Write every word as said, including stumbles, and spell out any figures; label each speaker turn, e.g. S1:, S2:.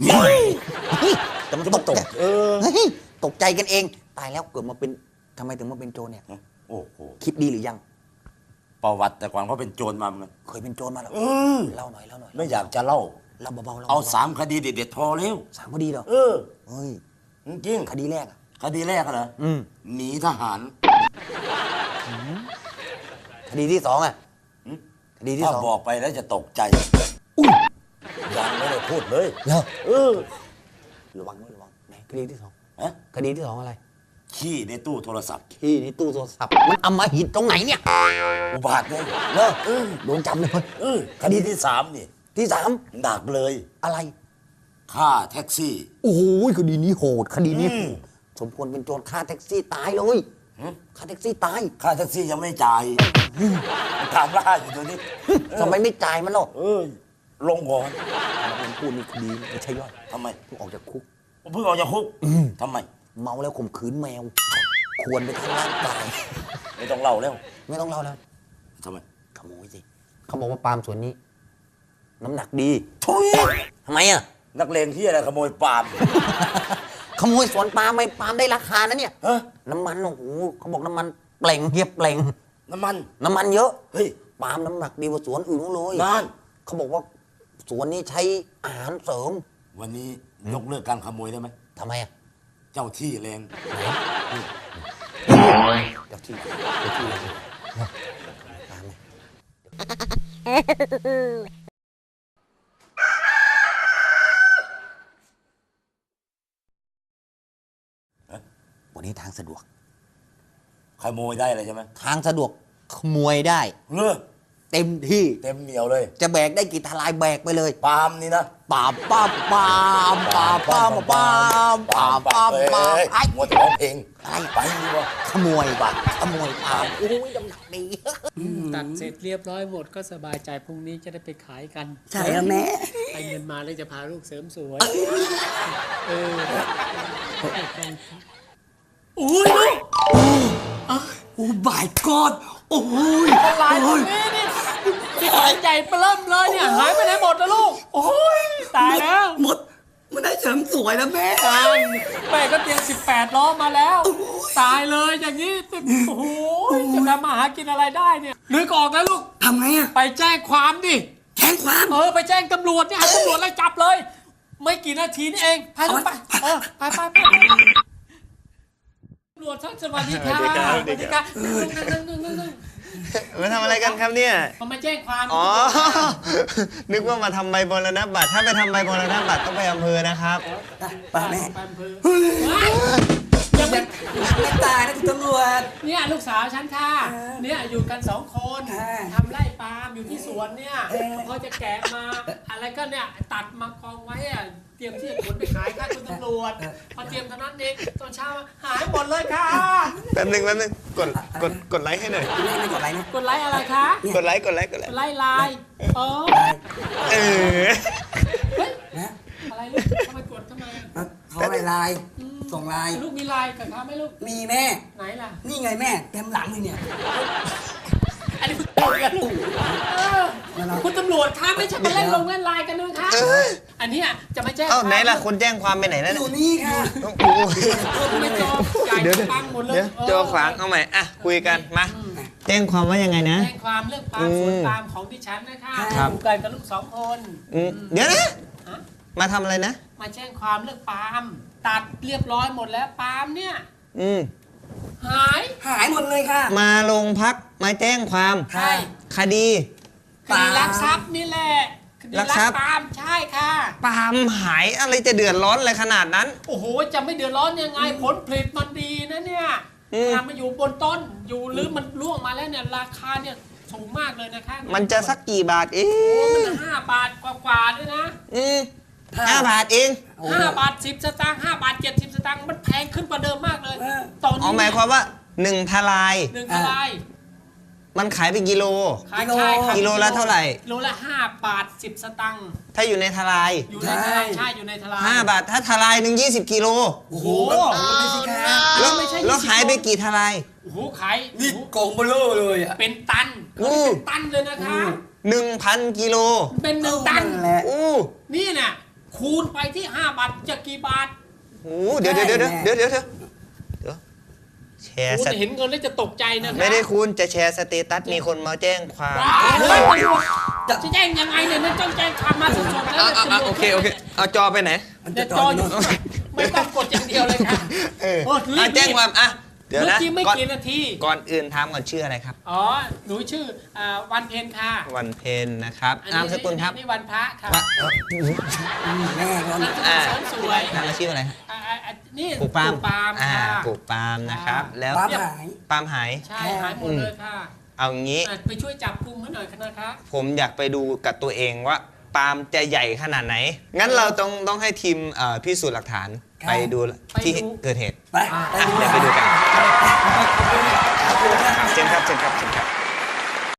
S1: แต่มันตกใจเออตกใจกันเองตายแล้วเกิดมาเป็นทำไมถึงมาเป็นโจรเนี่ย
S2: โอ้โห
S1: คิดดีหรือยัง
S2: ประวัติแต่ก่อนเขาเป็นโจรมาเหมือนกัน
S1: เคยเป็นโจรมาหรอเล่าหน่อยเล่าหน่อย
S2: ไม่อยากจะเล่า
S1: เล่าเบาๆ
S2: เอาสามคดีเด็ดๆพอเร็ว
S1: สามคดีเหรอ
S2: เออ
S1: เฮ้ย
S2: จริง
S1: คดีแรกอะ
S2: คดีแรกเหรอ
S1: อืม
S2: หนีทหาร
S1: คดีที่สองอะคดีที่สอง
S2: บอกไปแล้วจะตกใจยังไม่ได้พูดเลย
S1: เหรอ
S2: เออ
S1: ระวังระวังไหนคดีที่สอง
S2: ฮะ
S1: คดีที่สองอะไร
S2: ขี้ในตู้โทรศัพท์
S1: ขี้ในตู้โทรศัพท์มันอำมหิตตรงไหนเนี่ย
S2: อุบาทเลย
S1: เนอะโดนจับเลย
S2: เออคดีที่สามนี่
S1: ที่สาม
S2: หนักเลย
S1: อะไร
S2: ฆ่าแท็กซี่
S1: โอ้โหคดีนี้โหดคดีนี้สมควรเป็นโจรฆ่าแท็กซี่ตายเลยฆ่าแท็กซี่ตาย
S2: ค่าแท็กซี่ยังไม่จ่ายตามล่าอยู่ตัวนี้
S1: ทำไมไม่จ่ายมันหรอ
S2: เออลงก่อน
S1: มันพูดนี่คดีไม่ใช่ย่อย
S2: ทำไม
S1: เพิ่งออกจากคุก
S2: เพิ่งออกจากคุกทำไม
S1: เมาแล้วข่มขืนแมวควรไปทำร่างกาย
S2: ไม่ต้องเล่าแล้ว
S1: ไม่ต้องเล่าแล้ว
S2: ทำไม
S1: ขโมยสิเขาบอกว่าปาล์มสวนนี้น้ำหนักดี
S2: ทุย
S1: ทำไมอ่ะ
S2: นักเลงที่อะไรขโมยปาล์ม
S1: ขโมยสวนปาล์มไม่ปาล์มได้ราคานะเนี่ยน้ำมันโอ้โหเขาบอกน้ำมันเปล่งเฮียเปล่ง
S2: น้ำมัน
S1: น้ำมันเยอะ
S2: เฮ้ย
S1: ปาล์มน้ำหนักดีกว่าสวนอื่นเลย
S2: นั่น
S1: เขาบอกว่าสวนนี้ใช้อาหารเสริม
S2: วันนี้ยกเลิกการขโมยได้ไหม
S1: ทำไมอ่ะ
S2: เจ้าที่แรง
S1: เจ้าที่เจ้าที่แรงวันนี้ทางสะดวก
S2: ขโมยได้เลยใช่ไหม
S1: ทางสะดวกขโมยได้
S2: เลิก
S1: เต็มที่
S2: เต็มเหนียวเลย
S1: จะแบกได้กี่ทลายแบกไปเลย
S2: ปาล์มนี่นะ
S1: ปาป้าปามปาป้ามปามปาป้ามปาม
S2: ไอ้มัวแต่ร้องเพลง
S1: อะไร
S2: ไปดีกว่า
S1: ขโมยป่ะขโมยปาล์มอุ้ยน้ำหนักดี
S3: ตัดเสร็จเรียบร้อยหมดก็สบายใจพรุ่งนี้จะได้ไปขายกัน
S1: ใช่แล้วแม่
S3: ไปเงินมาแล้วจะพาลูกเสริมสวยเออโอ้ยลูก
S1: โอ้บายกอดโอ้ย
S3: ลายตรงนี้นี่ที่หายใจเปริ่มเลยเนี่ยหายไปไหนหมดนะลูกโอ้ยตายแล้ว
S1: หมดมันได้เสริมสวยแล้วแม่
S3: ตายแม่ก็เตรียมสิบแปดล้อมาแล้วตายเลยอย่างนี้โอ้โหจะทำมาหากินอะไรได้เนี่ยนึกออกแล้วลูก
S1: ทำไงอะ
S3: ไปแจ้งความดิ
S1: แจ้งความ
S3: เออไปแจ้งตำรวจเนี่ยให้ตำรวจไล่จับเลยไม่กี่นาทีนี่เองไปไปเออไปไปไปตำรวจท่านสวัสดีค่ะสวัสดีค่ะ
S4: มาทำอะไรกันครับเนี่ย
S3: เขามาแจ้งความ
S4: อ๋อนึกว่ามาทำใบมรณบัตรถ้าไปทำใบมรณบัตรต้องไปอำเภอนะครับ
S1: ป้าแม่
S3: ไปอำเภอ
S1: ยังไม่ไม่ตายนะคุณตำรวจ
S3: เนี่ยลูกสาวฉันค่ะเนี่ยอยู่กันสองคนทำไร่ปาล์มอยู่ที่สวนเนี่ยเขาจะแกะมาอะไรก็เนี่ยตัดมากองไว้อะเตรียมที่จะขนไปขายค่ะคุณตำรวจพอเตรียมเท่านั้นเองตอนเช้าหายหมดเลยค่ะ
S4: แป๊บนึงแป๊บนึงกดกดกดไลค์ให้หน่อย
S1: ไม่กดไลค์นะ
S3: กดไลค์อะไรคะ
S4: กดไลค์กดไลค์กดไลค์
S3: กดไลค์ไลน์เออ
S4: เออ
S3: เฮ้ยอะไรลูกทำไมกดทำไม
S1: เขาไลน์ไลน์ส่งไลน์
S3: ลูกมีไลน์กับเขาไหมลูก
S1: มีแม่
S3: ไหนล่ะ
S1: นี่ไงแม่เต็มหลังเลยเนี่ย
S3: อันนี้คุณตำรวจคุณตำรวจคะไม่ใช่มาเล่นลงเล่นไลน์กันด้วยค่ะอันนี้จะมาแจ้ง
S4: เอ้าไหนล่ะคนแจ้งความไปไหนแล้ว
S1: อยู่นี่ค่ะ
S3: ไม่จอใหญ่ปังหมดเลย
S4: เจอขวางเอาใหม่อ่ะคุยกันมาแจ้งความว่ายังไงนะ
S3: แจ้งความเรื่องปาล์มสวนปาล์มของดิฉันนะคะอยู่กันกับลูกสองคน
S4: เดี๋ยวนะมาทำอะไรนะ
S3: มาแจ้งความเรื่องปาล์มตัดเรียบร้อยหมดแล้วปาล์มเนี่ย
S4: อืม
S3: หาย
S1: หายหมดเลยค่ะ
S4: มาโรงพักมาแจ้งความ
S3: ใช่
S4: คดี
S3: คดีลักทรัพย์นี่แหละคดีลักทรัพย์ปาล์มใช่ค่ะ
S4: ปาล์มหายอะไรจะเดือดร้อนอะไรขนาดนั้น
S3: โอ้โหจะไม่เดือดร้อนยังไงผลผลิตมันดีนะเนี่ยทำมาอยู่บนต้นอยู่หรือมันร่วงมาแล้วเนี่ยราคาเนี่ยสูงมากเลยนะคะ
S4: มันจะสักกี่บาทเอง
S3: โอ้มันห้าบาทกว่าๆด้วยนะ
S4: อืมห้าบาทเอง
S3: ห้าบาทสิบสตางค์ห้าบาทเจ็ดสิบสตางค์มันแพงขึ้นกว่าเดิมมากเลย
S4: ตอนนี้หมายความว่าหนึ่งทลาย
S3: หนึ่งทลาย
S4: มันขายเป็นกิโล
S3: ขาย
S4: กิโลละเท่าไหร่
S3: กิโลละห้าบาทสิบสตางค์
S4: ถ้าอยู่ในทลาย
S3: อยู่ในทลายใช่อยู่ในทลาย
S4: ห้าบาทถ้าทลายหนึ่งยี่สิบกิโล
S3: โอ้โห
S4: แล้วแล้วขายไปกี่ทลาย
S3: โอ้โหขาย
S1: นี่กองเบลอเลยอ่ะ
S3: เป็นตันเป็นตันเลยนะคะ
S4: หนึ่งพันกิโล
S3: เป็นหนึ่งตัน
S4: อู้
S3: นี่น่ะขคูณไปที่ห้าบาทจะกี่บาท
S4: โอ้เดี๋ยวเดี๋ยวเดี๋ยวเดี๋ยวเดี๋ยวเดี๋ยวเดี๋ยวแชร์
S3: คุณ
S4: ส
S3: เห็นเงินแล้วจะตกใจนะคะ
S4: ไม่ได้คุณจะแชร์สเตตัสมีคนมาแจ้งความ
S3: ว้าวจะแจ้งยังไงเนี่ยนั่นต้องแจ้งความมาสดๆแล้ว
S2: อ่ะอ่ะอ่ะโอเคโอเคเอาจอไปไหน
S3: เดี๋ยวจออยู่ไม่ต้องกดอย่างเดียวเลยค่ะ
S4: เออ
S3: โอ้รี
S4: อ่ะ
S3: บ
S4: แจ้งความอ่ะเดี๋ยว
S3: เมื่อ
S4: นะ
S3: กี้ไม่
S4: ก่อน
S3: กี่นาที
S4: ก่อนอื่นถามก่อนชื่ออะไรครับ
S3: อ๋อหนูชื่ออ่าวันเพ็ญค่ะ
S4: วันเพ็ญนะครับนามสกุลครับ
S3: นี่วันพระค่ะ
S4: วะเอ่อ
S2: แม่ก็
S3: นามสกุล
S4: อ่า
S3: เสริมสวย
S4: นามอาชีพอะไรฮะ
S3: อ่าอ่าอ่านี่
S4: ปลูกปาล์ม
S3: ปาล์ม
S4: อ่า
S3: ค่ะ
S4: ปลูกปาล์มนะครับ แล้ว
S2: ปาล์มหาย
S4: ปาล์มหาย
S3: ใช่หายหมดเลยค่ะ
S4: เอางี้
S3: อ่ะไปช่วยจับกุมให้หน่อยนะคะ
S4: ผมอยากไปดูกับตัวเองว่าปาล์มจะใหญ่ขนาดไหน งั้นเราต้องต้องให้ทีมเอ่อพิสูจน์หลักฐาน
S2: ครับ
S4: ไปดูที่เกิดเหตุ
S2: ไปไป
S4: อ่ะ
S2: ดู
S4: เดี๋ยวไปดูกัน
S2: ขอบคุณนะ
S4: เชิญครับเชิญครับเชิญครับ